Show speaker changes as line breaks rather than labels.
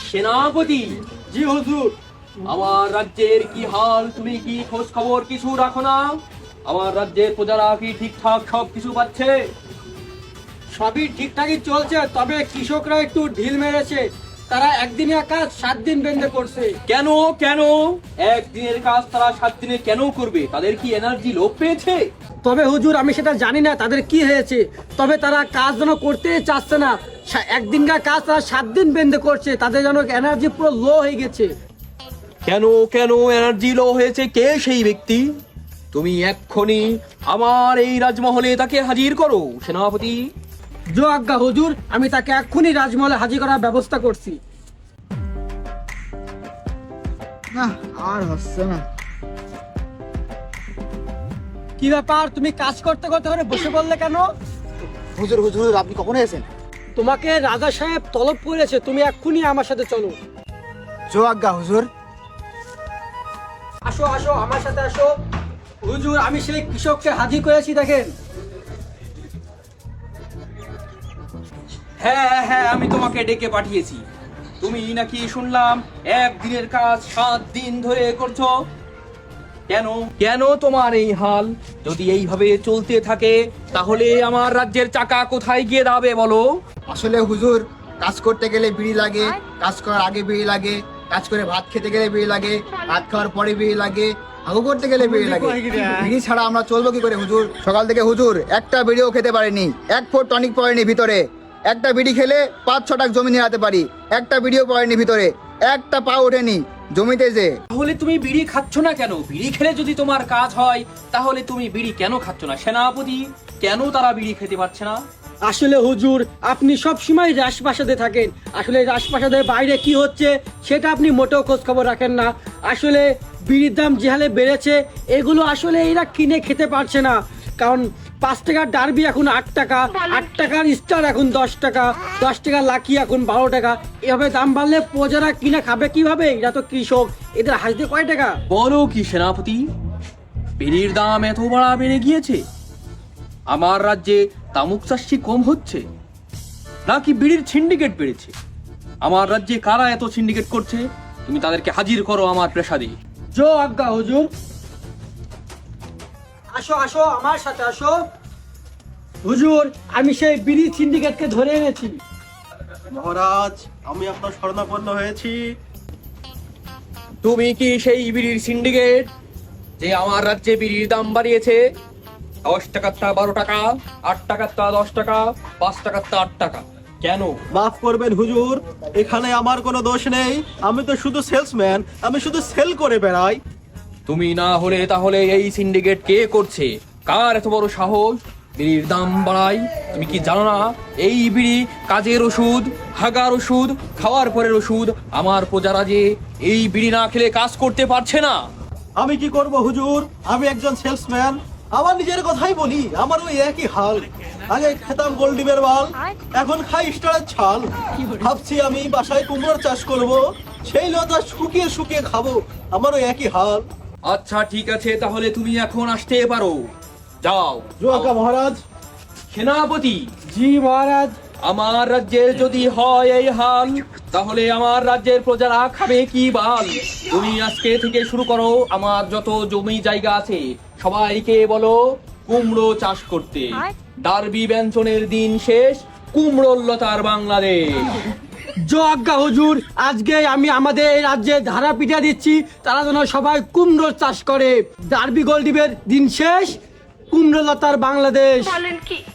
সেনাপতি,
জি হুজুর।
আমার রাজ্যের কি হাল তুমি কি খোঁজ খবর কিছু রাখো না? আমার রাজ্যের প্রজারা কি ঠিকঠাক সব কিছু পাচ্ছে?
সবই ঠিকঠাকই চলছে, তবে কৃষকরা একটু ঢিল মেরেছে। তারা একদিনের কাজ 7 দিন বেঁধে করছে।
কেন কেন একদিনের কাজ তারা 7 দিনে কেন করবে? তাদের কি এনার্জি লোপ পেয়েছে?
তবে হুজুর আমি সেটা জানি না তাদের কি হয়েছে, তবে তারা কাজ যেন করতে চাচ্ছে না। একদিনকার কাজ তারা 7 দিন বেঁধে করছে, তাদের যেন এনার্জি পুরো লো হয়ে গেছে।
কেন কেন এনার্জি লো হয়েছে? কে সেই ব্যক্তি? তুমি এক্ষুনি আমার এই রাজমহলে তাকে হাজির করো সেনাপতি।
জো আজ্ঞা হুজুর, আমি তাকে এক্ষুনি রাজমহলে হাজির করার ব্যবস্থা করছি।
না আর হচ্ছে না।
কি ব্যাপার, তুমি কাজ করতে করতে করে বসে পড়লে কেন?
হুজুর হুজুর আপনি কখন এসেছেন?
তোমাকে রাজা সাহেব তলব করেছে, তুমি এক্ষুনি আমার সাথে চলো।
জো আজ্ঞা হুজুর।
আসো আসো আমার সাথে আসো। হুজুর আমি সেই কৃষককে হাজির করেছি, দেখেন।
হ্যাঁ হ্যাঁ, আমি তোমাকে ডেকে পাঠিয়েছি। তুমি নাকি শুনলাম একদিনের কাজ 7 দিন ধরে করছো। কেন কেন তোমার এই হাল? যদি এইভাবে চলতে থাকে তাহলে আমার রাজ্যের চাকা কোথায় গিয়ে দাঁড়াবে বলো?
আসলে হুজুর, কাজ করতে গেলে বিড়ি লাগে, কাজ করার আগে বিড়ি লাগে, কাজ করে ভাত খেতে গেলে বিড়ি লাগে, ভাত খাওয়ার পরে বিড়ি লাগে, হাগু করতে গেলে বিড়ি লাগে। বিড়ি ছাড়া আমরা চলবো কি করে হুজুর? সকাল থেকে হুজুর একটা বিড়িও খেতে পারিনি, 1 ফুট টনিক পড়েনি ভিতরে। একটা বিড়ি খেলে 5-6 টাক জমি নিয়ে যেতে পারি, একটা বিড়িও পড়েনি ভিতরে, একটা পা ওঠেনি জমিতে যে।
তাহলে তুমি বিড়ি খাচ্ছ না কেন? বিড়ি খেলে যদি তোমার কাজ হয় তাহলে তুমি বিড়ি কেন খাচ্ছ না সেনাপতি? কেন তারা বিড়ি খেতে পারছে না?
আসলে হুজুর আপনি সব সময় রাজপ্রাসাদে থাকেন, আসলে রাজপ্রাসাদের বাইরে কি হচ্ছে সেটা আপনি মোটেও খোঁজ খবর রাখেন না। আসলে বিড়ির দাম যে হালে বেড়েছে, এগুলো আসলে এরা কিনে খেতে পারছে না। কারণ 5 টাকার ডারবি এখন 8 টাকা, 8 টাকার স্টার এখন 10 টাকা, 10 টাকার লাকি এখন 12 টাকা। এভাবে দাম বাড়লে প্রজারা কিনে খাবে কিভাবে? এরা তো কৃষক, এদের হাসতে কয় টাকা?
বলো কি সেনাপতি, বিড়ির দাম এত বাড়া বেড়ে গিয়েছে? আমার রাজ্যে তামুক চাষি কম হচ্ছে নাকি বিড়ির সিন্ডিকেট বেড়েছে? আমার রাজ্যে কারা এত সিন্ডিকেট করছে? তুমি তাদেরকে হাজির করো আমার প্রাসাদে।
জো আজ্ঞা হুজুর। আসো আসো আমার সাথে আসো। হুজুর আমি সেই বিড়ি সিন্ডিকেটকে ধরে এনেছি।
মহারাজ, আমি আপনার শরণাপন্ন হয়েছি।
তুমি কি সেই বিড়ির সিন্ডিকেট যে আমার রাজ্যে বিড়ির দাম বাড়িয়েছে? 10 টাকার তা 12 টাকা, 8 টাকার তা 10 টাকা, 5 টাকার তা 8 টাকা। কেন?
মাফ করবেন হুজুর, এখানে আমার কোনো দোষ নেই। আমি তো শুধু সেলসম্যান, আমি শুধু সেল করে বেড়াই।
তুমি না হলে তাহলে এই সিন্ডিকেট কে করছে? কার এত বড় সাহস বিড়ির দাম বাড়ায়? তুমি কি জানো না এই বিড়ি কাজের ওষুধ, হাগার ওষুধ, খাওয়ার পরের ওষুধ? আমার প্রজারা যে এই বিড়ি না খেলে কাজ করতে পারছে না।
আমি কি করব হুজুর, আমি একজন সেলসম্যান। আমার নিজের কথাই বলি, আমার ওই একই হাল। আগে খেতাম গোল্ডিবের বাল, এখন খাই স্টারের ছাল। ভাবছি আমি বাসায় কুমড়োর চাষ করব, সেই লতা শুকিয়ে শুকিয়ে খাবো। আমারও একই হাল।
আচ্ছা ঠিক আছে, তাহলে তুমি এখন আসতে পারো। যাও।
জোয়াকা মহারাজ।
সেনাপতি,
জি মহারাজ।
আমার রাজ্যের যদি হয় এই হাল, তাহলে আমার রাজ্যের প্রজারা খাবে কি বাল? তুমি আজকে থেকে শুরু করো, আমার যত জমি জায়গা আছে সবাইকে বলো কুমড়ো চাষ করতে। ডার্বি ব্যঞ্চনের দিন শেষ, কুমড়োর লতার বাংলাদেশ।
জো আজ্ঞা হুজুর, আজকে আমি আমাদের এই রাজ্যে ধারা পিঠা দিচ্ছি, তারা যেন সবাই কুমড়ো চাষ করে। ডার্বি গোল্ডিবের দিন শেষ, কুমড়ো লতার বাংলাদেশ।